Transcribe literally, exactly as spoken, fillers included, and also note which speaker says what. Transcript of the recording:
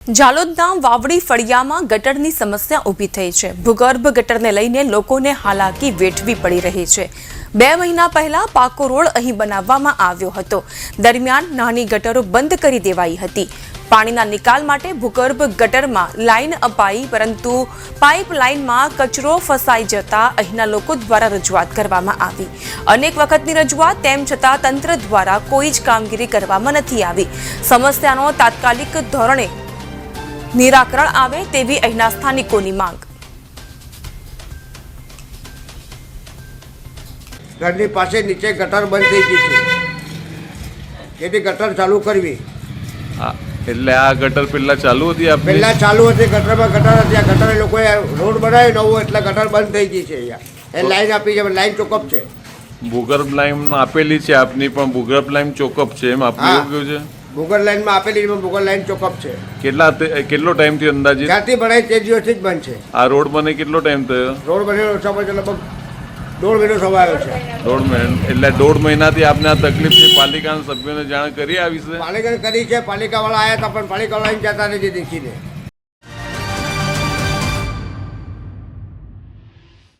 Speaker 1: જાલોદના વાવડી ફળિયામાં ગટરની સમસ્યા ઊભી થઈ છે। ભૂગર્ભ ગટરને લઈને લોકોને હાલાકી વેઠવી પડી રહી છે। બે મહિના પહેલા પાકો રોડ અહીં બનાવવામાં આવ્યો હતો। દરમિયાન નાની ગટરો બંધ કરી દેવાઈ હતી। પાણીના નિકાલ માટે ભૂગર્ભ ગટરમાં લાઈન અપાઈ, પરંતુ પાઇપલાઇનમાં કચરો ફસાઈ જતા અહીંના લોકો દ્વારા રજૂઆત કરવામાં આવી। અનેક વખતની રજૂઆત તેમ છતાં તંત્ર દ્વારા કોઈ જ કામગીરી કરવામાં નથી આવી। સમસ્યાનો તાત્કાલિક ધોરણે નિરાકરણ આવે તેવી અહીંના સ્થાનિકોની માંગ।
Speaker 2: ઘરની પાસે નીચે ગટર બંધ થઈ ગઈ છે, તેથી ગટર ચાલુ કરવી।
Speaker 3: હા, એટલે આ ગટર પહેલા ચાલુ હતી? આ
Speaker 2: પહેલા ચાલુ હતી, ગટરમાં ગટર હતી। આ ગટર લોકોએ રોડ બનાવ્યો નવો, એટલે ગટર બંધ થઈ ગઈ છે। અહીંયા એ લાઈન આપી છે, લાઈન ચોકઅપ છે।
Speaker 3: ભૂગર્ભ લાઈન આપેલી છે આપની, પણ ભૂગર્ભ લાઈન ચોકઅપ છે એમ આપનું એવું કહ્યું છે?
Speaker 2: ભૂગર્ભ લાઈનમાં આપેલી છે, ભૂગર્ભ લાઈન ચોકઅપ છે।
Speaker 3: કેટલા કેટલો ટાઈમ થયો અંદાજે?
Speaker 2: જ્યારથી બનાવી તે દિવસથી જ બંધ છે।
Speaker 3: આ રોડ બને કેટલો ટાઈમ થયો?
Speaker 2: રોડ બનેલો સમય લગભગ દોઢ મહિનો સમય આવ્યો છે।
Speaker 3: દોઢ મહિના એટલે દોઢ મહિનાથી આપને આ તકલીફ છે, પાલિકાના સભ્યોને જાણ કરી આ વિશે?
Speaker 2: પાલિકાને કરી છે, પાલિકાવાળા આવ્યા હતા, પણ પાલિકાવાળા અહીં જતા નથી દેખીને।